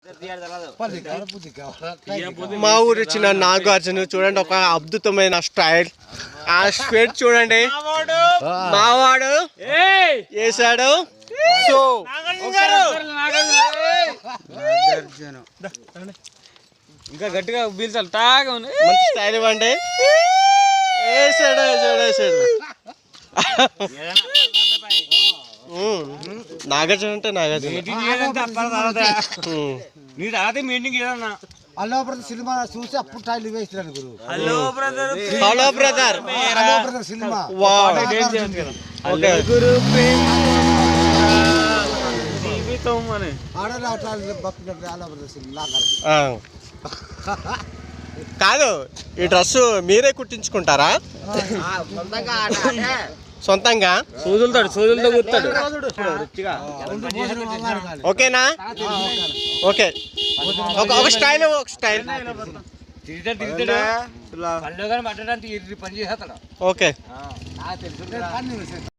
మా ఊరు వచ్చిన నాగార్జున చూడండి, ఒక అద్భుతమైన స్టైల్. ఆ స్వెట్ చూడండి, మావాడు వేసాడు. సో ఇంకా గట్టిగా పీల్చాలి, టాగా ఉంది. మంచి స్టైల్ ఇవ్వండి. వేసాడు వేసాడు వేసాడు. నాగార్జున అంటే నాగార్జున. నీ తర్వాత మీటింగ్ ఏదన్నా హలో బ్రదర్ సినిమా చూసి అప్పుడు టైల్ వేసినాను గురు. Hello brother, hello brother, hello brother cinema గురు జీవితం అని ఆడలే అట్లా బప్పినట్టు హలో బ్రదర్ సినిమా కాదు. ఈ డ్రెస్ మీరే కుట్టించుకుంటారా సొంతంగా? సూదులతో కూర్తాడు. ఓకేనా? ఓకే, ఒక స్టైల్ పట్టడానికి పని చేస్తాడు. ఓకే.